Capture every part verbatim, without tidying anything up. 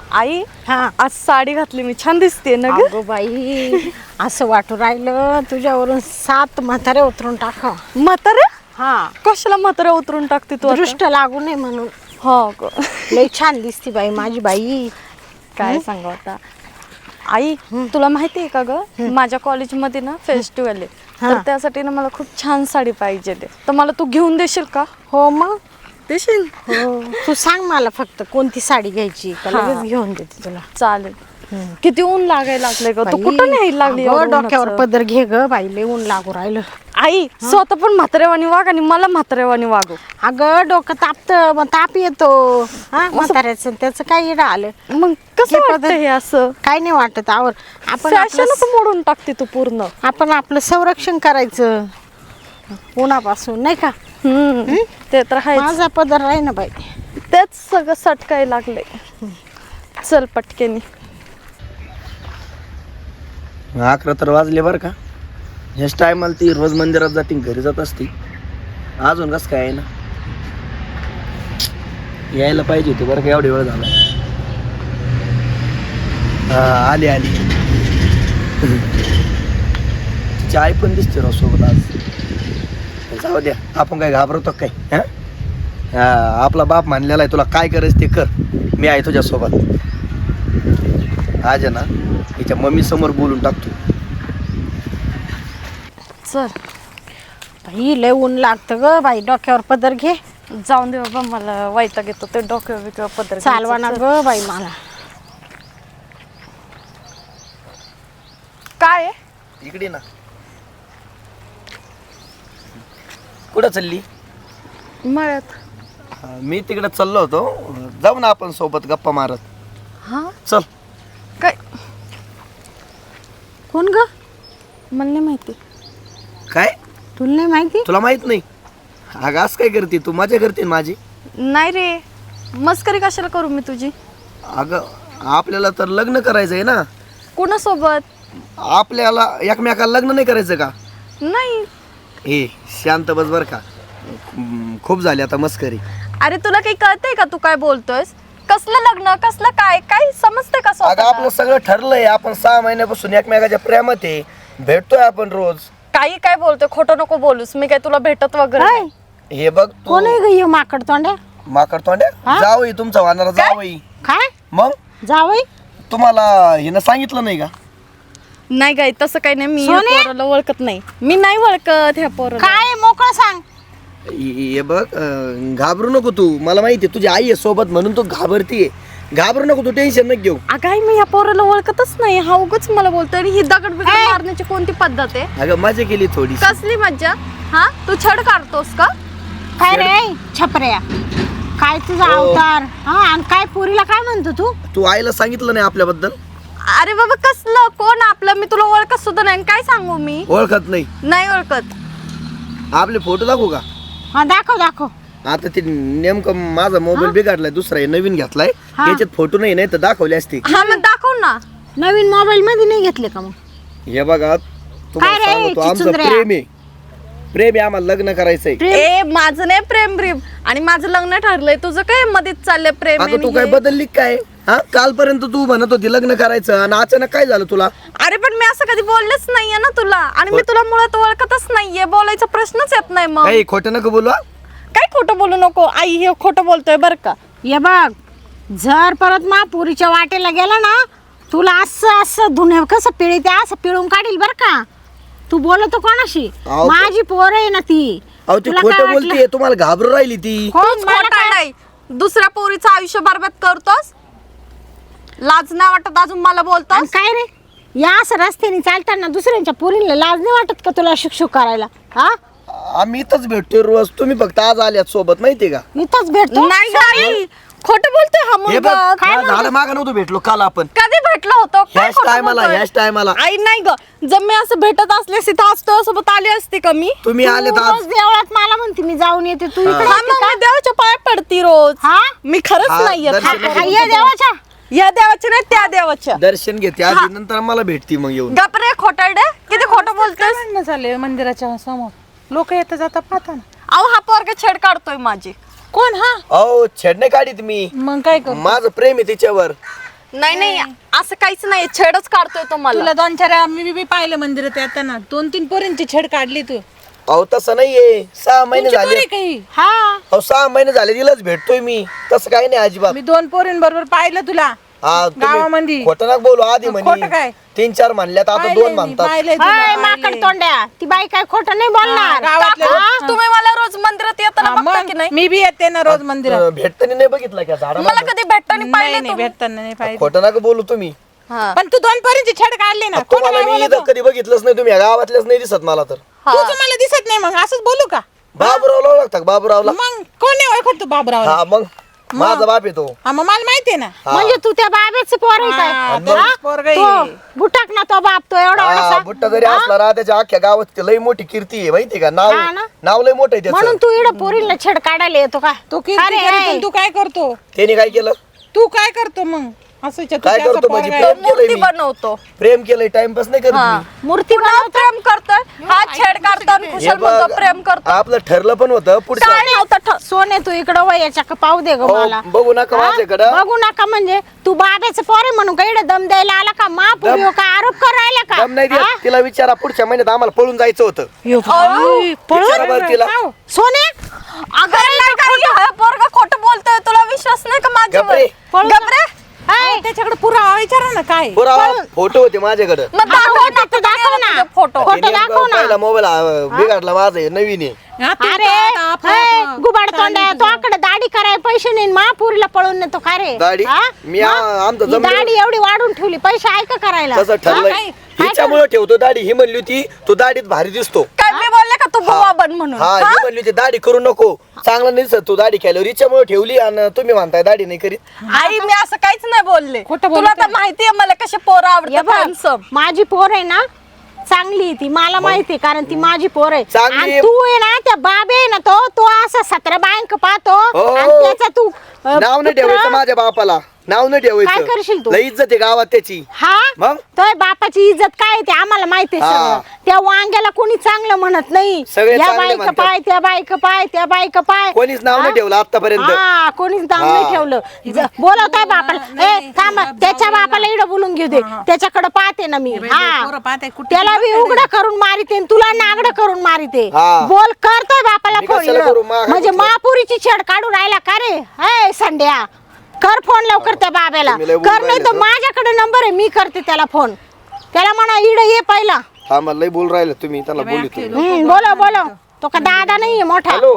आई हा आज साडी घातली मी, छान दिसते ना ग. अगो बाई असं वाटू राहिलं तुझ्यावरून सात म्हातारे उतरून टाका. म्हातारे हा कशाला म्हातारे उतरून टाकते तू आता? दृष्ट लागू नये म्हणून. हो ग. लई छान दिसती बाई माझी बाई. काय सांगू आता आई, तुला माहिती आहे का ग, माझ्या कॉलेजमध्ये ना फेस्टिवल आहे, तर त्यासाठी ना मला खूप छान साडी पाहिजे, तर मला तू घेऊन देशील का? हो मग देशील? हो तू सांग मला फक्त कोणती साडी घ्यायची का हा. लगेच घेऊन देते तुला. चालेल. किती ऊन लागायला लागले ग, तू बाई, कुठं न्यायला लागली अगं, एवढं डोक्यावर उन्हाचं? पदर घे ग बाई, लई ऊन लागू राहिलं. आई स्वतः पण म्हातारेवानी वाग आणि मला म्हातारेवानी वागव. अगं डोकं तापत मग ताप येतो हा म्हाताऱ्याचं, त्याचं काय येडं आलं. मग कसं हे वाटतं पदर- हे असं? काय नाही वाटत आवर आपण आपलं फॅशनच मोडून टाकते तू पूर्ण. आपण आपलं संरक्षण करायचं उन्हापासून नाही का. हम्म ते तर आहे. माझा पदर आहे ना बाई. तेच सगळं सटकाय लागले. चल पटकेनी. अकरा तर वाजले बरं का. ह्याच टायमाला ती रोज मंदिरात जाते घरी जात असते, अजून कसं काय आहे ना, यायला पाहिजे होते बरं का, एवढी वेळ झाला. हा आली आली. तिची आई पण दिसते राव सोबत आज. जाऊ द्या, आपण काय घाबरतो काय. हा हा आपला बाप मानलेला आहे, तुला काय करायचं ते कर, मी आहे तुझ्यासोबत. आज आहे ना तिच्या मम्मी समोर बोलून टाकतो. चल बाई लय ऊन लागतं ग बाई, डोक्यावर पदर घे. जाऊन दे बाबा, मला वैताग येतो ते डोक्या बिक्या पदर चालवा ना ग बाई मला. काय आहे? इकडे ना. कुठं चालली? मळ्यात. हा, मी तिकडे चाललो होतो, जाऊ ना आपण सोबत गप्पा मारत. हा चल. काय? कोण ग? मला नाही माहिती. काय तुला नाही माहिती? तुला माहित नाही? अगं असं काय करते तू, मजा करते ना माझी. नाही रे, मस्करी कशाला करू मी तुझी? अगं आपल्याला तर लग्न करायचं आहे ना. कोणासोबत? आपल्याला एकमेकाला लग्न नाही करायचं का? नाही. हे शांत बस बर का, हम्म, खूप झाली आता मस्करी. अरे तुला काही कळतंय का, तू काय बोलतोयस? कसलं लग्न, कसलं काय, काय समजतंय का अगं स्वतःला? आपलं सगळं ठरलंय, आपण सहा महिन्यापासून एकमेकाच्या प्रेमात आहे, भेटतोय आपण रोज. काही काय बोलतोय, खोटं नको बोलूस, मी काय तुला भेटत वगैरे काय? नाही. हे बघ तू कोण आहे ग हे माकड तोंड्या? माकड तोंड्या हा? जावई तुमचा वाहणारा जावई. काय मग जावई? तुम्हाला हिनं सांगितलं नाही का? नाही गाई, तसं काही नाही, मी या सोने? पोराला ओळखत नाही. मी नाही ओळखत ह्या पोराला. काय मोकळं सांग. हे हे बघ, अं, घाबरू नको तू, मला माहिती आहे तुझी आई आहे सोबत म्हणून तू घाबरतीये. घाबरू नको तू, टेन्शन नको घेऊ. अगं आई, मी ह्या पोराला ओळखतच नाही, हा उगाच मला बोलतोय. आणि ही दगड बिगड मारण्याची कोणती पद्धत आहे? अगं मजा केली थोडी. कसली मज्जा? हा तू छड काढतोस का? काय रे छपऱ्या, काय तुझा हो. अवतार हा? आणि काय पोरीला काय म्हणतो तू? तू आईला सांगितलं नाही आपल्याबद्दल? अरे बाबा कसलं कोण आपलं, मी तुला ओळखत सुद्धा नाही. काय सांगू मी? ओळखत नाही? नाही ओळखत. आपले फोटो दाखवू का? हा दाखव दाखव. आता ते नेमकं माझा मोबाईल बिघडलाय, दुसरा आहे नवीन घेतलाय, हा. त्याच्यात फोटो नाही, नाही तर दाखवले असते. हा मग दाखव ना. नवीन मोबाईल मध्ये नाही घेतले का मग? हे बघा तुम्हाला काय रे, सांगतो, आमचं चिचुंद्र्या? प्रेम आहे, प्रेम आहे, आम्हाला लग्न करायचंय. ए माझं नाही प्रेम प्रेम, आणि माझं लग्न ठरलंय, तुझं काय मध्येच चाललंय प्रेम आता तू आणि काय हे? बदलली काय? हा कालपर्यंत तू म्हणत होती लग्न करायचं आणि अचानक काय झालं तुला? अरे पण मी असं कधी बोललेच नाहीये ना तुला, आणि मी तुला मुळात ओळखतच नाहीये, बोलायचा प्रश्नच येत नाही. मग काही खोटं नको बोलू. हा? काय खोटं बोलू नको आई, हे खोटं बोलतोय बर का. ये बघ, जर परत महापुरीच्या वाटेला गेला ना, तुला असं असं धुणे कसं पिळते असं पिळून काढील बर का. तू बोलतो कोणाशी? अहो, माझी पोर आहे ना ती. अहो ती तुला काय खोटं वाटलं? बोलतीये, तुम्हाला घाबरू राहिली ती. हो, तूच मला खोटा काय- नाही, दुसऱ्या पोरीचं आयुष्य बरबाद करतोस. लाज नाही वाटत अजून मला आणि बोलतोस? काय रे, या असं रस्त्याने चालताना दुसऱ्यांच्या पोरीला लाज नाही वाटत का तुला शिक्षक करायला? हा आम्ही इथंच भेटतोय रोज, तुम्ही फक्त आज आल्यात सोबत, माहितीये का? इथंच भेटतो. नाही गाई, खोटं बोलतोय हा हे मुलगा. बघ, काय काय झालं मागं नव्हतं भेटलो काल आपण. कधी भेटलो होतो? काय ह्याच खोटं टायमाला बोलतोय? ह्याच टायमाला आई नाही ग, जर मी असं भेटत असले तर आज सोबत आली असते का मी? तुम्ही तू आलेत रोज आज. देवळात मला म्हणते मी जाऊन येते, तू हा. इकडे हा, येते मग का? मी देवाच्या पाया पडती रोज. हा? मी खरंच हा, नाही येत. दर्शन हा, हा, ये देवाच्या. या देवाच्या नाही त्या देवाच्या. दर्शन घेते आधी, नंतर मला भेटती मग येऊन. गपरे खोटारडे, किती खोटं बोलतोस? भांडणं झाले मंदिराच्या समोर, लोक येता जाता पाहता ना. अहो हा पोरगा छेड काढतोय माझी. कोण? हा अहो छेड नाही काढीत मी, मग काय करू? माझं प्रेम आहे तिच्यावर. नाही नाही असं काहीच नाही छेडच काढतोय तो मला. तुला दोन चार मी बी पाहिलं मंदिरात येताना दोन तीन पोरींची छेड काढली तू. अहो तसं नाहीये, सहा महिने तुमची झाले. पोरी काही हा अहो सहा महिने झाले तिलाच भेटतोय मी, तसं काही नाही अजिबात. मी दोन पोरींबरोबर पाहिलं तुला हा, तुम्ही गावामध्ये. खोटं नका बोलू. आधी खोटं म्हणे काय? तीन चार म्हणल्यात, आता पाहिलंय दोन मी, म्हणतात. पाहिलंय तुला, हाय, पाहिलंय. माकड तोंड्या ती बाई काय खोटं नाही बोलणार. हा, गावातले हा? लोक. तुम्ही मला रोज मंदिरात येताना हा, बघता मग की नाही? मी बी येते ना रोज मंदिरात. अं, भेटताना नाही बघितलं का झाडा मला कधी भेटताना नाही पाहिलं नाही तुम्ही? भेटताना नाही पाहिजे. खोटं नका बोलू तुम्ही. हा. पण तू दोन पोरींची छेड काढली ना. खोटं तुम्हाला काय मी बोलतो? इथं कधी बघितलंच नाही, तुम्ही या गावातल्याच नाही दिसत मला तर. हा. तुझं मला दिसत नाही मग असंच बोलू का? बाबूरावला ओळखता का? बाबूरावला? मग कोण नाही ओळखत तू बाबरावला? हा मग माझा बाप येतो. हा मग मला माहितीये ना. हा. म्हणजे तू त्या बाबेच पोर आहे काय? हा, आणि तोच हा? पोरगं आहे. तो बुटाक ना तो बाप तो एवढा हा, एवढासा. बुट्टा जरी असला ना त्याच्या अख्ख्या गावात ते लई मोठी कीर्ती आहे माहितीये का? नाव हा ना? नाव लई मोठं आहे म्हणून त्याचं. तू इकडं पोरीला छेड काढायला येतो का? तू किती अरे, करतो हाय. आणि तू काय करतो? त्याने काय केलं? तू काय करतो मग असं तू काय त्याचा करतो म्हणजे पोरगा आहे. प्रेम मूर्ती केलंय मी. बनवतो. प्रेम केलंय, टाइमपास नाही करत हा. मी. मूर्ती पुन्हा प्रेम करतोय हा छेड काढतो आणि हे खुशाल बघ, म्हणतो प्रेम करतो. आपलं ठरलं पण होतं पुढचं. काय नव्हतं ठ- सोने तू इकडं वय याच्या का पाहू दे ग हो, मला. बघू नका हा? माझ्याकडं. बघू नका म्हणजे तू बाब्याचं पोर आहे म्हणून का इकडे दम द्यायला आला का? महापुरी दम- का आरोप करायला का? दम नाही हा? देत. तिला विचारा, पुढच्या महिन्यात आम्हाला पळून जायचं होतं. विचारा बरं तिला. सोने अगं काय काय हा पोरगा खोटं बोलतोय, तुला विश्वास नाही का माझ्यावर? गप्रे. पळून गप रे. हाय. त्याच्याकडे पुरावा विचारा ना काय. पुरावा फोटो होते माझ्याकडे. मग दाखव ना, फोटो दाखव ना. फोटो. फोटो दाखव ना. पहिला मोबाईल बिघडला माझा आहे, नवीन आहे. हा, तू अरे तर आता हाय, आपण- गुबाड तोंड्या तो आकडे दाढी करायला पैसे नाही महापुरीला पळून नेतो का रे? दाढी? हा? मी मग? आ- आमचं ही जमलं. दाढी एवढी वाढून ठेवली पैसे आहे का करायला? तसं हा? ठरलंय. काय? हिच्यामुळे ठेवतो दाढी. ही म्हणली होती तू दाढीत भारी दिसतो. काय मी बोलले का तू बुवा बन म्हणून? हा, ही म्हणली होती दाढी करू नको, चांगला नाही दिसत तू दाढी केल्यावर. हिच्यामुळे ठेवली आणि तुम्ही म्हणताय दाढी नाही करीत. आई मी असं काहीच नाही बोलले. खोटं तुला बोलतोय. तर माहितीये मला कसे पोरं ये आवडतात बघ, handsome. माझी पोर आहे ना चांगली आहे ती, मला माहिती आहे, कारण ती माझी पोर आहे. चांगली आणि आहे. तू आहे ना त्या बाबे आहे ना तो तो असा सतरा बँक पाहतो हो. आणि त्याचा तू अ, नाव नाही पुत्र- ठेवायचं माझ्या बापाला, नाव नाही काय ठेवायचं. करशील तू? लई इज्जत आहे गावात त्याची. हा मग? तो बापाची इज्जत काय आहे ते आम्हाला माहिती आहे हा. सगळं. त्या वांग्याला कोणी चांगलं म्हणत नाही. सगळे या चांगले बाईक म्हणतात. पाय त्या बाईक पाय त्या बाईक पाय कोणीच नाव नाही हा? ठेवलं आतापर्यंत. हा कोणीच नाव हा. नाही ठेवलं. ज- बोलवताय बापाला ए थांब त्याच्या बापाला इकडं बोलून घेऊ दे, त्याच्याकडे पाहते ना मी. बाई, हा पोरं पाहताय, कुठे त्याला बी कुठे उघडं करून मारिते आणि तुला नागडं करून मारिते. हा. बोल करतोय बापाला मी फोन कशाला इकडं. करू? मा- म्हणजे महापुरीची छेड काढून राहिला का रे? हे संड्या कर फोन लवकर त्या बाब्याला. तुम्ही लय बोलून कर नाही तर राहिले तर. माझ्याकडे नंबर आहे, मी करते त्याला फोन. त्याला म्हणा इड ये पहिला. हा, मला लई बोल राहिले तुम्ही, त्याला बोलतो. हम्म, बोलो बोलो तो का दादा नाहीये मोठा. हॅलो,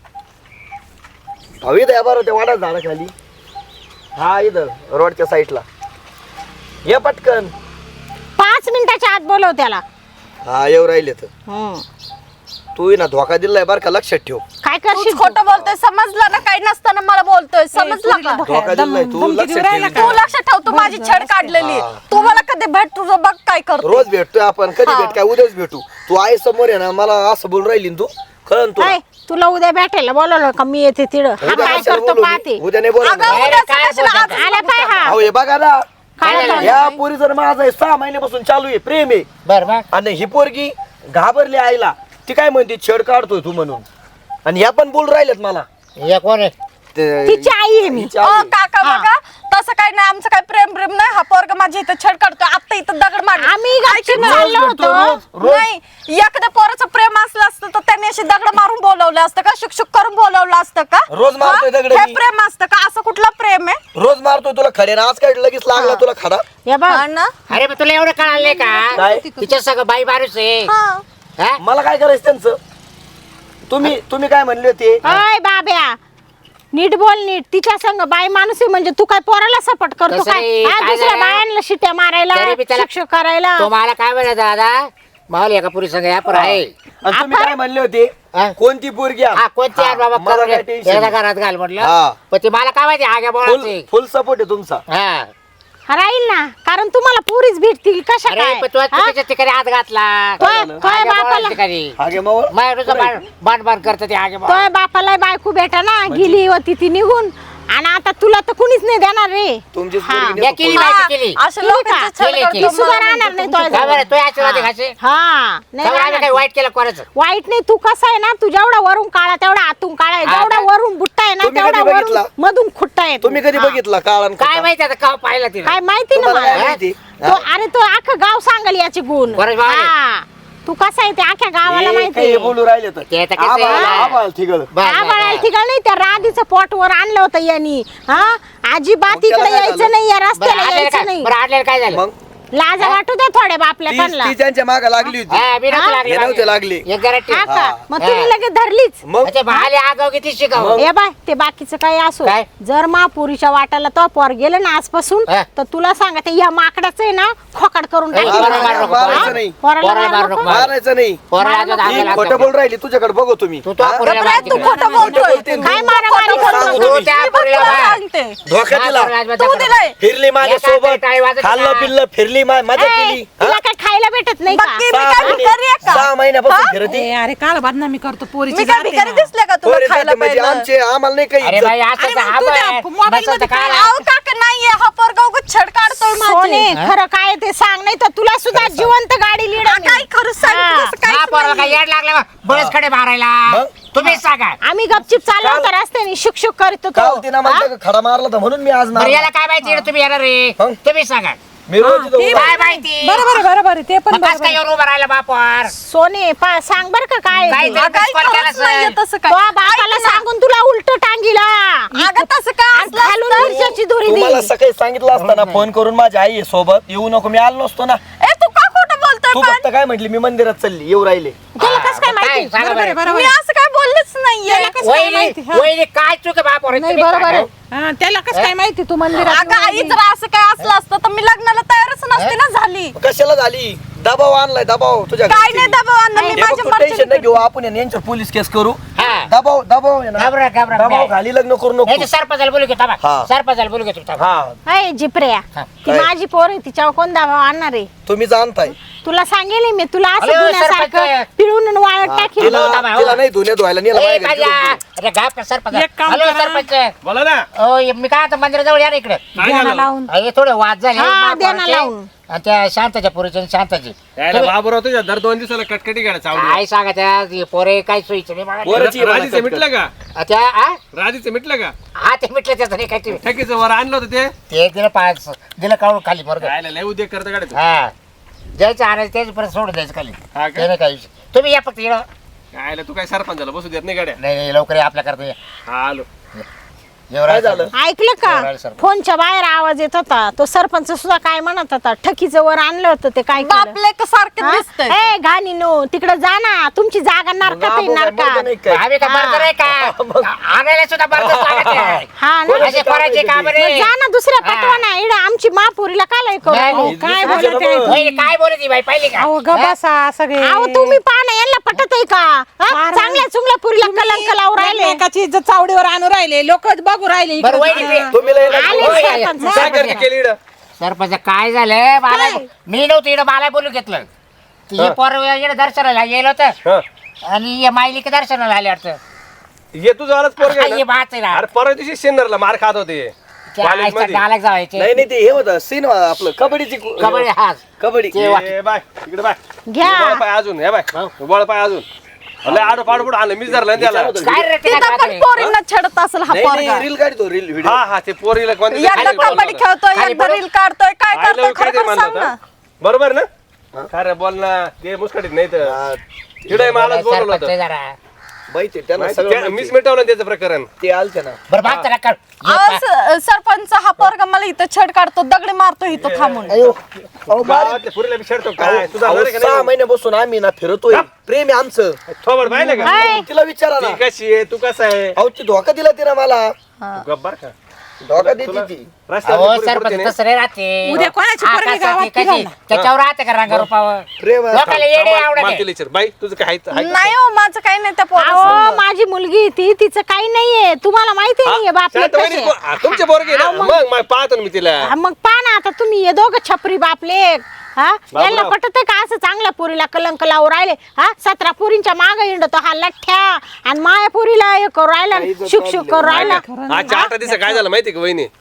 अहो इथं या बरं त्या वाडा झाडा खाली. हा इथं रोडच्या साईडला ये पटकन. पाच मिनिटाच्या आत बोलव त्याला. हा येऊ राहिले तर. हम्म. तू ना धोका दिलाय बरं का, लक्षात ठेव. काय तूच करशील तू? खोटं बोलतोय, समजलं ना? काही नसताना मला बोलतोय, समजलं का? धोका दिलाय तू, धमकी लक्षात देऊ राहिला ठेव. तू लक्षात ठेव, तू माझी छेड काढलेली. हा. तू मला कधी भेट, तुझं बघ काय करतो. रोज भेटतोय आपण, कधी हा. भेट काय उद्याच भेटू. तू आहे समोर आहे ना, मला असं बोल राहिली ना तू, कळन तू. काय तुला उद्या भेटायला बोलवलं का मी येते तिड. हा उद्या काय कशाला करतो बोलू पाहते. मी? उद्या नाही बोला अगं, उद्याचं कशाला आज आला पाय हा. अहो हे बघा ना, काय झालं? या पोरी जर माझा आहे, सहा महिन्यापासून चालू आहे, प्रेम आहे. बर बर आणि ही पोरगी घाबरली आईला. ती काय म्हणते छेड काढतोय तू म्हणून. आणि ह्या पण बोल राहिलेत मला. हे कोण आहे? ते- तिची आई आहे मी. हिची अ, आई आहे. काका बघा, तसं काही नाही, आमचं काही प्रेम प्रेम नाही. हा पोरगा माझी इथं छेड काढतोय, आता इथं दगड मार. आम्ही गपचूप चाललो भेटतो, होतो. रोज, रोज. नाही, एखाद्या पोराचं प्रेम असलं असतं तर त्यांनी अशी दगड मारून बोलवलं असतं का? शुकशुक करून बोलवलं असतं का? रोज मारतोय हा? दगड हे मी. प्रेम असतं का? असं कुठलं प्रेम आहे? रोज मारतोय तुला खडे ना, आज काय लगेच लागला तुला खडा. हे बघ हा ना? अरे मग तुला एवढं कळालं नाही काय? का? तिच्या सगळं बाई माणूस आहे हा. हा? मला काय करायचं त्यांचं? तुम्ही तुम्ही काय म्हणले होते? अय बाब्या नीट बोल नीट. तिच्या संग बाई माणूस आहे म्हणजे तू काय पोराला सपोर्ट करतो तसं काय? नाही, हा, काय दुसऱ्या झालं? बायांना शिट्या मारायला तरी बी त्याला- शिक्षक करायला. तो मला काय म्हणत दादा मावली एका पुरी संग या पर आहे आणि तुम्ही काय म्हणले होते? हा? कोणती पोरगी हा कोणती आहे बाबा मला करून काय एकदा टेन्शन घरात घाल म्हटलं हा. पण ते मला काय माहिती आग्या बोलायचे फुल सपोर्ट आहे तुमचा. हा राहील ना कारण तुम्हाला पुरीच भेटतील कशा अरे काय? पण तू हा? चुकीच्या ठिकाणी हात घातला तोय झालं? तोय आग्या बापाला बोलायच्या ठिकाणी हागे मावळ माझ्या बाण बाण करत ते आगे तोय बापाला बायको भेटा ना गेली होती ती निघून आणि आता तुला तर कुणीच नाही नाही देणार रे. तुमचीच हा. पोरगी या नेतो केली पळून. बाई केली अशा केली लोकांचे का? छळ केली, करतो केली. ती सुद्धा मला राहणार नाही नाही तुमच्या- तो का बरं तो आशीर्वाद आहे घासे हा नाही का बरं आम्ही राहणार. काही वाईट केलं कोणाचं वाईट नाही, तू कसा आहे ना, तू जेवढा वरून काळा तेवढा आतून काळा आहे, हा जेवढा का? वरून बुट्टा आहे ना तुम्ही तेवढा कधी बघितला? वरून मधून खुट्टा आहे तू. तुम्ही कधी हा. बघितला काळान काय माहिती आता का पाहिलं तिला काय माहिती ना तुम्हाला काय मला माहिती? तो अरे तो अख्खं गाव सांगल याचे गुण. बरं, बरं. हा. तू कसा आहे ते अख्ख्या गावाला हे माहिती काही आहे. बोलू राहिले तर ते आता कसं आहे? आभाळ- आभाळ ठिगळ. बस, बस, आम्हाला बस. ठिकाण नाही, त्या राधीचं पोटवर आणलं होतं यांनी. हा अजिबात मग त्याला इकडे काय यायचं झालं? नाही, या बरं रस्त्याला आडलेलं यायचं काय नाही. बरं आडलेलं काय झालं मग लाजा वाटू दे थोड्या बापल्या ती त्यांना. ती त्यांच्या मागे लागली होती हा, मी नव्हतं हा? लागली हे नव्हते मागे. लागली. एक जरा ठेव. हा का? हा. मग तुम्ही लगेच धरलीच. मग अच्छा भाले आगाव किती शिकाव ए बाय ते बाकीचं काय असो, काय? जर महापुरीच्या वाटाला तो पोर गेलं ना आजपासून, हा. तर तुला सांगते या माकडाचं आहे ना खोकाड करून ए, टाकील. पोराला मारू नको, मारायचं हा? नाही. पोराला पोराला मारू मारू नको. नको. मारायचं नाही पोराला अजून मारू ही हात खोटं लागतो. बोल राहिली तुझ्याकडे बघू तुम्ही तू तो हा? पोरीला गप्रे, तू मारते. खोटं बोलतोय. बोलते. काय मारा मारी खोटं करतो बोलतोय. तू तू? त्या मी बघ पोरीला तुला मार. सांगते. धोका हा, दिला पोराला तू मार. दिलाय. फिरली माझ्या एका सोबत टाळी वाजत खाल्लं होता. पिल्लं फिरली मा- मजा ए, केली तुला हा? काय खायला भेटत नाही का? बाकी मी सहा काय महिने- भिकारी आहे का? सहा महिन्यापासून हा? फिरती ए, अरे काल बदनामी करतो मी पोरीची काय जाते भिकारी ना. दिसले का तुला पोरी खायला जाते म्हणजे पाहिजे? आमचे आम्हाला नाही काही अरे इज्जत. बाई असं अरे मग हा तुझ्या बाय. मोबाईल बस आता मध्ये काय काय अहो काका नाहीये, हा पोरगा उगाच छड काढतोय माझी. सोने खरं काय ते सांग, नाही तर तुला सुद्धा जिवंत गाडी लीड हा, काय खरं सांग हा. तसं काहीच हा पोराला नाहीये. काय येड लागलं बा? बळच खडे मारायला मग? तुम्हीच सांगा आम्ही गपचिप चाललो होतो रस्त्याने, शुक शुक करत होतो. काल तिनं मला खडा मारला तर म्हणून मी आज बरं मारला. याला काय माहिती इकडे तुम्ही येणार रे मग? तुम्ही सांगा मी रोज इथं ते उभा काय आहे. माहिती बरोबर आहे बरोबर आहे ते पण मग कसं बरोबर काय येऊन उभं राहिलं बापावर सोने पा सांग बर का काय काय ते. ते? हा, काही कॉल केला खरंच नाहीये असेल. तसं तो काय. बापाला ऐक ना. सांगून तुला उलट टांगीला अगं तसं काय आणि असलं घालून असतं? मिरच्याची दोरी तुम्हाला दिली. सकाळी सांगितलं असताना फोन करून माझी आई आहे सोबत येऊ नको मी आलो नसतो ना ए तू का खोटं बोलतोय तू पण? फक्त काय म्हटली मी मंदिरात चालली येऊ राहिले त्याला कसं काय हा, मग माहिती? सांगा बरोबर आहे बरं. बरोबर मी आहे. असं काय बोललेच नाहीये. कसं काय वहिनी माहिती, हा? वहिनी काय चुक आहे बापावर नाही, तुम्ही बरोबर आहे. सांगा. हा, त्याला कसं काय माहिती तू मंदिरात अगं आई जर असं काय असलं असतं तर मी लग्नाला तयारच नसते ना झाली. कशाला झाली दबाव आणलाय दबाव तुझ्या काय घरची. नाही दबाव आणलं, मी हे बघ, माझ्या तू टेन्शन मर्जीने नाही घेऊ आपण आहे ना, यांच्यावर पोलीस केस करू हा. दबाव दबाव आहे ना घाबरा, घाबरा, दबाव नाही. खाली लग्न करू नाही नको ते सरपंचाला बोलू घेतो हा. सरपंचाला बोलू घेतो थांबा. हा अय जिप्रिया हा. ती काय? माझी पोर आहे, तिच्यावर कोण दावा आणणार आहे? तुम्ही जाणताय तुला सांगेल मी, तुला असं अरे, धुण्यासारखं सरपंच. पिळून वाळत टाकील. तिला हो, थांबा, हो. तिला नाही धुण्या धुवायला नेलं ए, माझ्या घरी काजा. तिला. अरे घाप का सरपंच एक काम हॅलो करा. सरपंच बोला ना ओ हे मी काय आता मंदिराजवळ या ना इकडे ध्याना लावून हे थोडे वाद झाले हा, महापौराचे ध्याना लावून. आणि त्या शांताच्या पुरीचे आणि शांताची यायला तुम्ही- बाबूराव तुझ्या दर दोन दिवसाला कटकटी गाड्या चावडी काय सांगा त्या हे पोरे काय सोयीचं नाही मला. पोरं- पोराची राधीचं मला मिटलं का आ, त्या आ? राधीचं मिटलं का हा ते मिटलं त्याचं नाही काय ते ठकीचं वर आणलं होतं ते ते दिलं पाच दिलं काढून खाली बरोबर राहायला लय उद्योग करतं गाड्या हा द्यायचं आणायचं त्याच परत सोडून द्यायचं खाली हा ते का नाही काय विषय. तुम्ही या फक्त इकडं. राहायला तू काय सरपंचाला बसू देत नाही गाड्या नाही नाही लवकर या आपल्या करता हा आलो एवढं झालं? ऐकलं का बरोबर आहे, सरपंच. फोनच्या बाहेर आवाज येत होता, तो सरपंच सुद्धा काय म्हणत होता, ठकीचं वर आणलं होतं ते काय केलं? बापले का सारखं दिसतंय. ए घाणी नो तिकडे जा ना, तुमची जागा नरकात आहे, बाबू काय मर्द नरकात. नाही काय? आम्ही का बर्दर आहे का आणायला सुद्धा बर्दर लागत आहे. हा ना. असे करायचे काम रे मग जा ना दुसऱ्या हा. पटवा ना, इकडे आमची महापुरीला काय नाही, करू? नाही. काय दुसरं बोलत आहे जन्म. तू? वहिनी काय बोलत बाई पाहिली का अहो ग बसा सगळे अहो तुम्ही पाहा यांना पटत आहे का? हा? फार- चांगल्या चुंगल्या पुरीला कलंक लावून राहिले. एकमेकाची इज्जत चावडीवर आणू राहिले लोक बघू राहिले बरं, इकडं. वहिनी, हा. तुम्ही लय नका आले बोलू. सरपंच. काय करते केली इकडं? सरपंच काय झालं मला काय? मी नव्हतं इकडं मला बोलून घेतलं ती हे हा. पोर इकडे दर्शनाला येईल होतं हा. आणि हे मायली की दर्शनाला आले वाटतं ये तुझं आलाच पोरग हा, हे बाच आहे ना. अरे परवा दिवशी शेन्नरला मार खात होते त्या आईचा कॉलेजमध्ये. डायलॉग जावायचे नाही नाही ते हे होतं सीन आपलं कबड्डीची कु- कबड्डी हा कबड्डी ते वा- ए, बाय इकडे बाय घ्या. बळ पाय अजून हे बाय बळ पाय अजून लय आडो पाडो पुढे आलं मी धरलं त्याला विचारत काय रे ते तिथं काय पण खाते? पोरींना छेडत असेल हा नाही पोरगा. नाही रील काढतो रील व्हिडिओ हा हा ते पोरीला कोणत्या एकदा खाली बोलवलं कबड्डी होतं. खेळतोय खाली एकदा बोलव. रील काढतोय काय I love करतोय you काय ते खरं म्हणलं सांग ना. होतं? बरोबर ना खरं बोल ना ते मुस्कटीत नाही तर तिडे मलाच बोलवलं सरपंच होतं जरा माहिती आहे, त्यांना माहिती- सगळं त्या- माहिती मीच आहे. मिटवलं त्याचं प्रकरण ते आलते ना बरं भाग त्याला काढ हे अहो, पा- स- सरपंच हा पोरगा मला इथं छेड काढतो दगडी मारतो इथं थांबून. अहो, बारीक. गावातल्या पुरीला बी छेडतो काय अहो, तुझा अहो, सहा महिन्यापासून आम्ही ना फिरतोय प्रेम आहे आमचं थोबड पाहिलं का हाय. तिला विचारा ना ती कशी आहे तू कसा आहे अहो ती धोका दिला तिला मला तू गप्प बरं का धोका देते तुला ती रस्त्यावर अहो पुरी सरपंच पुरते नाही. तसं नाही राहते उद्या कोणाची पोरगी आकाशात गावात ती कशी- फिरवणार? त्याच्यावर राहते का रांगा रुपावर प्रेम आहे. लोकांना येडे थांब, आवडत मला आहे. तिला विचार. बाई तुझं काय आहे- आहे का? नाही हो माझं काही नाही त्या अहो पोराचं. माझी मुलगी ती तिचं काही नाहीये, तुम्हाला माहिती नाहीये हा, बापले शांत वहिनी, कसे. को- हा, तुमचे पोरगे ना मग मग पाहतो ना मी तिला हा, मग पहा ना आता तुम्ही हे दोघं छपरी बापले हा यांना पटत का असं चांगल्या पुरीला कलंक लावून राहिले? हा सतरा पुरींच्या माग हिंडतो हा लठ्ठ्या, आणि माया पुरीला हे करू राहिला, शुक शुक करू राहिला. आजच्या आठ दिवस काय झालं माहिती का वहिनी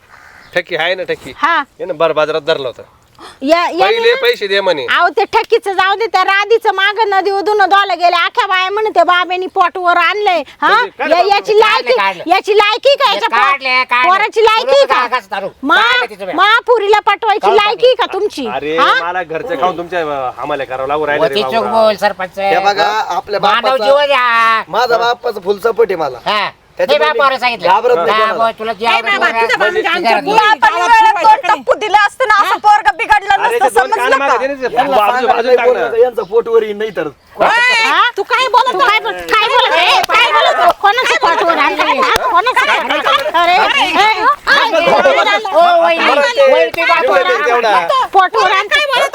ठक्की आहे ना ठक्की हा हे ना बरं बाजारात धरलं होतं या या पहिले पैसे दे म्हणे अहो ते ठकीचं जाऊ दे त्या राधीचं माग नदी उधून धुवायला गेले आख्या बाया म्हणे त्या बाब्यानी पोटवर आणलंय हा म्हणजे काय या- याची लायकी काढले. याची लायकी का याच्या काढले, पो- काढले. पोराची लायकी तुला का कागद दारू. मा काढले तिचं बी. महापुरीला पटवायची काढून लायकी का तुमची अरे हा? मला घरचं खाऊन तुमच्या आम्हाला करावं लागू राहिलं रे वती चोख बाबूराव. बोल सरपंच हे बघा आपल्या मानव बापाचा जीवन द्या माझा बापाचा फुल सपोर्ट आहे मला हा त्याच्यामुळे हे बापावर सांगितलं घाबरत नाही हा, कोणाला. बोल, तुला जे आवडेल बाबा, बोल. तुझ्या बाबांच्या आमच्या घरात बोल. बोल. आपण वेळेत दोन टप्पू दिले असते ना असं पोरगा बिघडलं अरे नसतं ते दोन कान समजलं मागं का? दे ना ते यांना बाजू सांगायला बाजू नाही टाक बोललं ना. तर यांचं पोटवर येईल नाही तर हा? तू काय बोलत काय बोल- काय बोलत आहे? काय बोलत आहे? कोणाच्या पोटवर आणलंय? हा? कोणाच्या अरे ए, ओ, वहिनी, वहिनी, तुम्ही बापावर तेवढं- तेवढा. आणा. पोटवर आण काय बोलत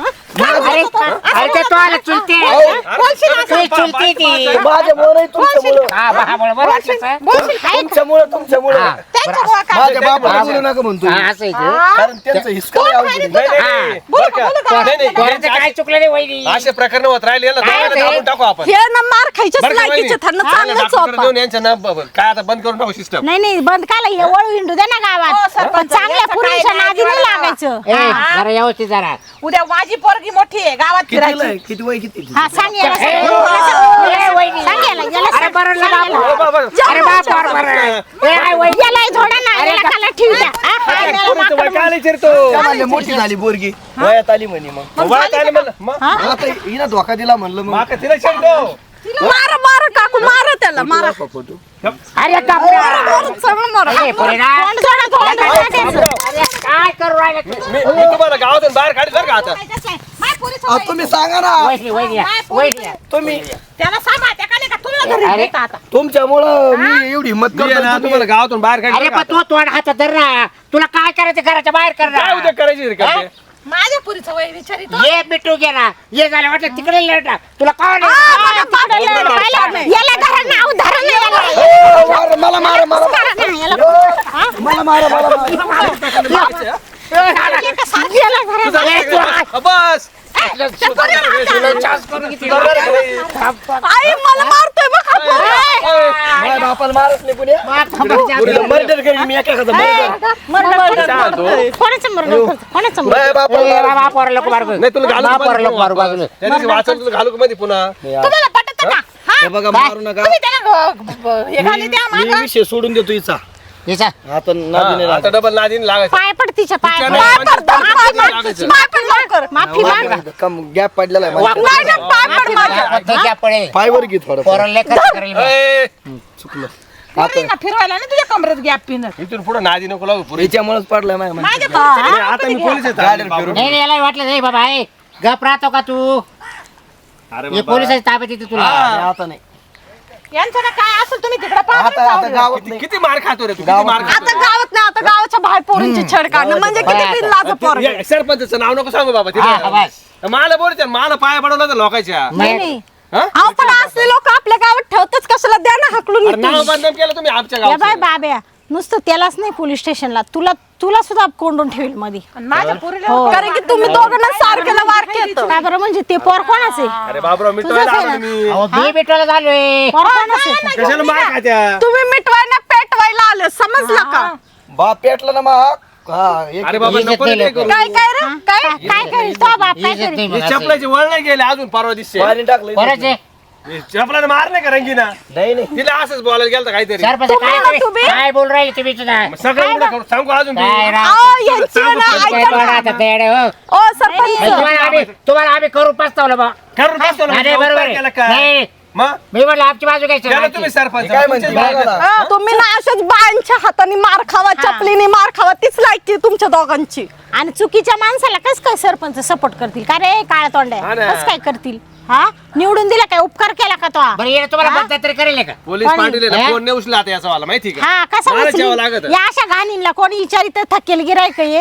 अरे अरे ते तो आला चुलते तुझी चुलती ती माझ्यामुळे तुमच्यामुळं हा बा बोल बरं वाटलं सर? तुमच्यामुळं तुमच्यामुळं हा, बरं, माझ्या बापाला बोलू नका म्हणतो हा, असं आहे ते. कारण त्यांचं हिसका लय अवघड आहे. नाही, नाही, नाही. बरं का? नाही, नाही, पोराचं काय चुकलं नाही वहिनी असे प्रकरण होत राहिले याला काय दवाखान्यात होतंय? टाकून टाकू आपण हे ना मार खायच्याच बरं का लायकीचे वहिनी? त्यांना हा, चांगलंच डॉक्टरकडे वापर देऊन यांच्या ना ब- ब- काय आता बंद करून टाकू सिस्टम नाही नाही बंद काला हे वळू हिंडू दे ना गावात पण चांगल्या पुरीच्या नादी नाही लागायचं ए, जरा व्यवस्थित जरा उद्या माझी पोरगी मोठी आहे गावात कितीला फिरायची आहे? किती वय किती हा सांग याला, ए, सांग. ए, वहिनी. सांग याला, याला अरे सांग. बरं ना सांग बापू. याला. अरे बापावर बरं ए, आई वहिनी. याला हे झोडा ना याला खाला ठेवू द्या हा, हा, याला पोरीचं वय माकडं काय विचारतो त्यामध्ये मोठी झाली बोरगी वयात आली म्हणे मग वयात आलं म्हणलं मग आता हिनं धोका दिला म्हणलं मग माका तिला चिरतो मारा मारा काकू मारा त्याला मारा फोटो अरे कापरा. सगळं मारा ए, पोरीला. तोंड जोडा, तोंड जोडा. अरे, काय करू राहिला तू? मी मी तुम्हाला गावातून बाहेर काढील बरं का आता माय पोरीचं अहो, तुम्ही सांगा ना वहिनी वहिनी या, वहिनी या. तुम्ही त्याला सांगा त्या का नाही का तुला घरी अरे, नेता आता तुमच्यामुळं मी एवढी हिंमत मी आहे करतो ना, तुम्ही- तुम्हाला गावातून बाहेर अरे काढील पण तू तोंड हातात धर ना तुला काय करायचं घराच्या बाहेर कर काय ना उद्या करायची रे करते? माझ्या पुरीचं वय विचारित ये बिटू गेला ये झालं वाटलं तिकडे लढा तुला काय हा, बघा, पाडलं, पाहिलं. याला धरा ना, अहो, धरा ना याला. ओ, मारा, मला मारा मला धरा ना, याला. हा? मला मारा मला मारा एका सारखी याला धरा. तुझा काय करायचं? बस आई मला मारतोय बघ हा पोरगा. माझ्या बापाला मारत नाही पुणे मर्डर करीन मी एका एखादा मर्डर मर्डर कोण- शांत हो. कोणाचं मर्डर करतो? कोणाचं murder? माझ्या बापाला मारत बापावर लोक मारू नाही तुला घालू बापावर लोक मारू का बाजूला त्या दिवशी वाचन तुला घालू का मध्ये पुन्हा नाही. तुम्हाला पटत का हा? हे बघा मारू नका तुम्ही त्याला ग- ग- हे घाली द्या मी मागं. विषय सोडून देतो हिचा याचा आता नादी नाही हा, आता लागत. डबल नादीन लागायचं पाय पड तिच्या पाय तिच्या पड. नाही, पाय पड, पाय पड, पाय लागायचं. पड. पाय पड लवकर. माफी माग कम गॅप पडलेला आहे माझ्या. नाही ना पाय पड माझ्या. त्याच्या पडे पायवर घे थोडं पोराला खर्च करेल मी. ए, चुकलं पोरींना फिरवायला नाही तुझ्या कमरेत गॅप पिनत इथून पुढे नादी नको लागू पुरी याच्यामुळेच पडलाय माझ्या माझ्या माहिती. पोरीचं ए, आता मी पोलीस येतो गाडीवर फिरून. नाही नाही, याला वाटलं नाही बाबा ए गप राहतो का तू अरे हे बाबा. पोलिसाची ताब्यात येते तुला नाही, आता नाही यांचं ना काय असेल तुम्ही तिकडे आता आता गावात किती नाही किती मार खातो रे तू किती गावात मार आता खातो गावात नाही आता गावाच्या बाहेर पोरींची छेड काढणं म्हणजे किती गावात. बिनलाज पोरग ये, सरपंचाचं नाव नको सांगू बाबा हा, हा, तिथे बस. मला बोलते मला पाया पडवलं तर लोकांच्या नाही हा? अहो पण असले लोक आपल्या गावात ठेवतच कशाला द्या ना हाकलून अरे नाव इथून. बदनाम केलं तुम्ही आमच्या या बाय गावात बाब्या नुसतं त्यालाच नाही पोलीस स्टेशनला तुला तुला सुद्धा कोंडून ठेवील मध्ये माझ्या पोरीला हो. कारण की तुम्ही दोघांना सारखेला वार केलं काय बरं म्हणजे ते पोर कोणाचे अरे बाबराव मिटवायला तुझंच आहे आलो तुम्ही अहो मी भेटायला झालोय पोर कोणाचे कशाला मार खात्या तुम्ही मिटवायला पेटवायला आले समजलं का बाप पेटला ना मग हा एक अरे बाबा इज्जत नको नाही रे ते लोकं. करू काय काय रे काय काय करील तो बाप काय इज्जत करील नाही हे मग असं. चपलाची वळ नाही गेले अजून परवा दिसते पाणी टाकलं कोणाचे चपलाने मार नाही का रंगीना नाही नाही तिला असंच बोलायला गेलं काहीतरी सरपंच तुम्ही काय ना तुम्ही- तुम्ही? काय बोल राहिले तुम्ही तुझा मग सगळं उघडं करू सांगू अजून काय तुम्ही. राव अहो, यांची आहे ना, काय ऐका तोंड ना. आता तेडे हो ओ सरपंच तुम्हाला आम्ही तुम्हाला आम्ही करू पस्तावलं बा करून बसतो ना, अरे उपकार बरोबर आहे. केला का? नाही मग मी म्हटलं आमची बाजू त्याला घ्यायची तुम्ही सरपंच काय म्हणते तुमचीच बघा बाजू. ना. हा, तुम्ही ना अशाच बायांच्या हाताने मार खावा चपलीने मार खावा तीच लायकी आहे तुमच्या दोघांची आणि चुकीच्या माणसाला कस काय सरपंच सपोर्ट करतील का रे काळ्या तोंड्या हा ना. कस काय करतील हा निवडून दिला काय उपकार केला का तो बरं येणं तुम्हाला मतदान तरी करेल का पोलीस कोणी? पाटील आहे ना, हे? फोन नाही उचला आता याचा वाला माहिती का हा कसा मला उचलील? जेवावं लागत या अशा घाणींना कोणी विचारित थकेल गिरायक ये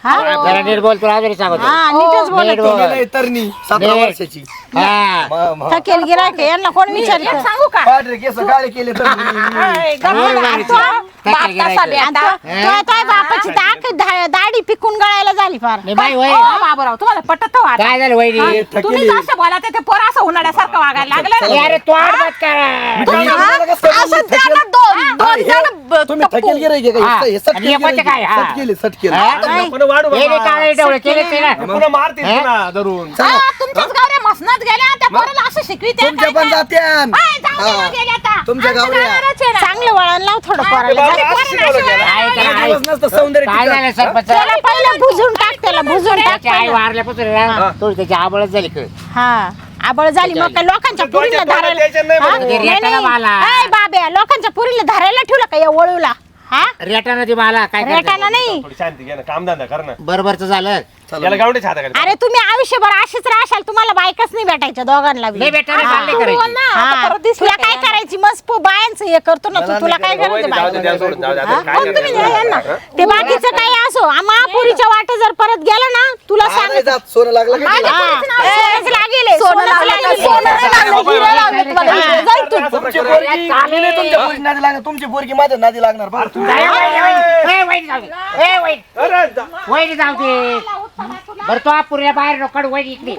हा जरा नीट बोल तुला अजून सांगतो हा नीटच बोलत नीट आहे. बोल. गेलंय तरणी सतरा नाही. वर्षाची हा म- म- थकेल गिरायक यांना कोण विचारत सांगू का पांढरे केस काळे केले तर ए, गप्प बोल ना. बाई. तो बाप काय कसा करायचं? बेटा? तो बापाची दाख दा- दाढी पिकून गळायला झाली फार नाही बाई वय ओ, बाबूराव तुम्हाला पटत हो आता? काय झालं वहिनी तुम्ही जसं बोला ते पोर असं उन्हाळ्यासारखं वागायला लागलं ना. अरे तोड मत करा असं त्याला दोन दोन जण ब- तुम्ही थकेल गिरायक आहे हा. का? हे सट आणि हे कोणते काय? हा. केले सट केले हा? पुन्हा वाढू हे बाबा. काळे डोळे केले ते ना पुन्हा मारतील हा? पुन्हा धरून हा, तुमच्याच गावऱ्या मसनात गेल्या त्या पोराला असं शिकविते तुमच्या पण जात्यान हाय, जाऊ दे ना, गेल्या आता. तुमच्या आमच्या गावऱ्या. गावालाच आहे ना. चांगलं वळण लाव थोडं ते पोराला बाबा जा. असं शिकवलं गेलं. काय काही त्याला दिवस नसतं सौंदर्य काय टिकत. झालं सरपंच त्याला पहिलं भुजून टाक त्याला भुजून टाक त्याची आई पहिलं. वारल्यापासून ना थोडी त्याची आबळच झाली कळ हा आबळ झाली मग काय लोकांच्या तुझ्या पुरीला डोक्यात धरायला द्यायचं नाही हा? म्हणून. नाही, रेटाला नाही. मला. ए, बाब्या लोकांच्या पुरीला धरायला ठेवलं का या वळूला हा रेटानं ती मला काय रेटाना नाही थोडी शांती घे ना कामधंदा कर ना बरोबरच झालं याला गावडीच्या हाताखाली अरे तुम्ही आयुष्यभर अशीच राहशाल तुम्हाला बायकाच नाही भेटायच्या दोघांना बी. नाही भेटणार हा. नाही करायची ना, आता हा. परत दिसलं तुला काय काय करायची मस्त पो बायांचं हे करतो ना तू मला तुला नाही काय वहिनी, करायचं जाऊ दे, बाय द्या सोडून, जाऊ दे, आता हा? काय मग तुम्ही करणार? द्या यांना. ते बाकीचं काही असो महापुरीच्या वाटे जर परत गेलं ना तुला हा, नाही सांग जात, सोनं लागलं का तिला? सोनच लागेल सोनं सोनंच लागलं का? लागेल. सोनं नाही लागलं, हिरे लागले तुम्हाला, हिरे. जाय तू. तुमची पोरगी मी नाही तुमच्या पोरीची नादी लागणार तुमची पोरगी माझ्या नादी लागणार बरं. अरे जा. वहिनी जाऊ दे बरं तो पुऱ्या बाहेर नोकड वहिनी इकडे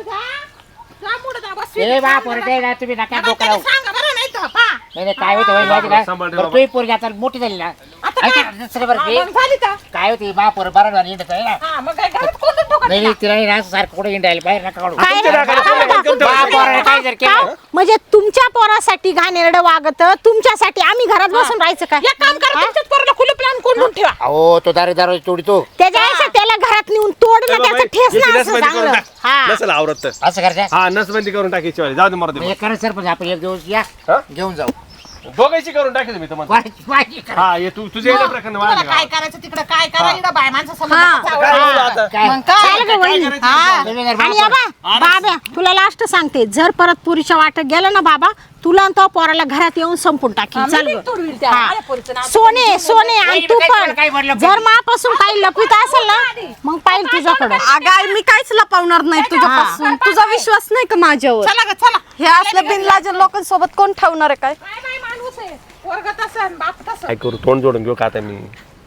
जा पुढं जा, बस. ए बा पोरं ते ना तुम्ही नका डोकं त्याला लावू सांगा बरं नाही तर, पहा. नाही नाही, काय होतं वहिनी माहिती का सांभाळ रे बरं बाबा. तुही पोरगी आता मोठी झाली ना आता ऐका, काय? दुसरं बरं हा, ते मग झाली का? काय होती बा पोरं बरं हिंडत आहे ना हा, मग काय घरात कोणतं ठोकत नाही नाही नाही, तिला नाही ना सारखं कुठे हिंडायला बाहेर नका काढू काय तुमच्या नाकाला काय कोणी म्हणता? कोणतं बा पोराने काय जर काय? केलं म्हणजे तुमच्या पोरासाठी घाणेरडं वागत तुमच्यासाठी आम्ही घरात बसून राहायचं काय एक काम करा, तुमच्याच पोराला खुलं प्लॅन कोंडून ठेवा. अहो तो दारे दारू तोडतो त्याच्या आयुष्यात त्याला घरात नेऊन तोड ना त्याचं ठेस याची ना असं नसबंदी करून चांगलं टाक. हा नसेल आवरत तर. असं करते हा नसबंदी करून टाकायची वाली. जाऊ दे मरू दे. म्हणजे करा सरपंच आपण एक दिवस या हा? घेऊन जाऊ दोघांची करून टाकायचं मी तुम्हाला वाजी- वाजी करा. हा ये तू तुझ्या इकडे प्रकरण तुम्हाला वाढलं काय का? करायचं तिकडे काय करा इकडं बाय माणसं हा. समोर काय बोलू आता? काय? मग काय? चाल गं वहिनी. हा. तुम्ही जर आणि बाप- बाबा बाब्या तुला लास्ट सांगते जर परत पुरीच्या वाटत गेलं ना बाबा तुला आणि तो पोराला घरात येऊन संपून टाकी हा, मी चाल बी गं. तोडवील त्या. हा. माझ्या पोरीचं नाव सोने सोने आणि वहिनी, तू काय पण काय म्हटलं? जर मापासून काही लपवित असेल ना मग पाहिजे तुझ्याकडं अगं आई, मी काहीच लपवणार नाही तुझ्यापासून. तुझा विश्वास नाही का माझ्यावर? चला ग चला. हे असलं बिनलाजन लोकांसोबत कोण ठेवणार आहे काय? काय बाय माणूस आहे. पोरगं तसं आणि बाप तसं. काय करू तोंड जोडून घेऊ का आता मी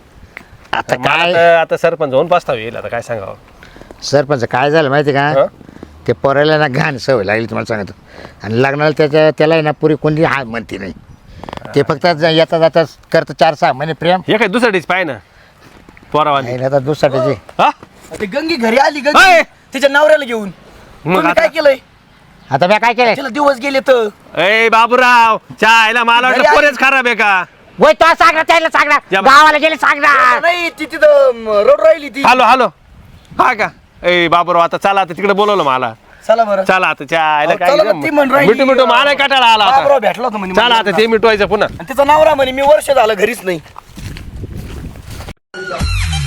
आता मला काय तर आता सरपंच होऊन पास्ताव येईल आता काय सांगावं सरपंच काय झालं माहिती का हं? ते पोराला ना घाण सवय लागली तुम्हाला सांगतो आणि लग्नाला त्याच्या त्याला आहे ना पुरी कोणी हा म्हणते नाही ते फक्त ज- येता जाता करतं चार सहा महिने प्रेम हे काय दुसऱ्या पाय ना पोरावाली नाही आता दुसऱ्याचे हा ते गंगी घरी आली होय. गंगी तिच्या नवऱ्याला घेऊन मग तुम्ही आता काय केलंय आता मी काय केलं तिला दिवस गेले तर ए बाबूराव चायला मला घरी वाटलं आली. पोरेच खराब आहे का वय तो सांगणार त्याला सांगणार या बा. गावाला गेले सांगणार नाही ती तिथं रोड राहिली ती हॅलो हॅलो हा का ए बाबूराव आता चला आता तिकडे बोलवलं मला चला बरं चला आता चायला अहो, काय चला ना, ती म्हण राहिली, मिठू मिठू मला काटाळा आला बाबराव आता भेटला होता म्हणे चला मला. आता ते मिटवायचं पुन्हा आणि तिचा नवरा म्हणे मी वर्ष झालं घरीच नाही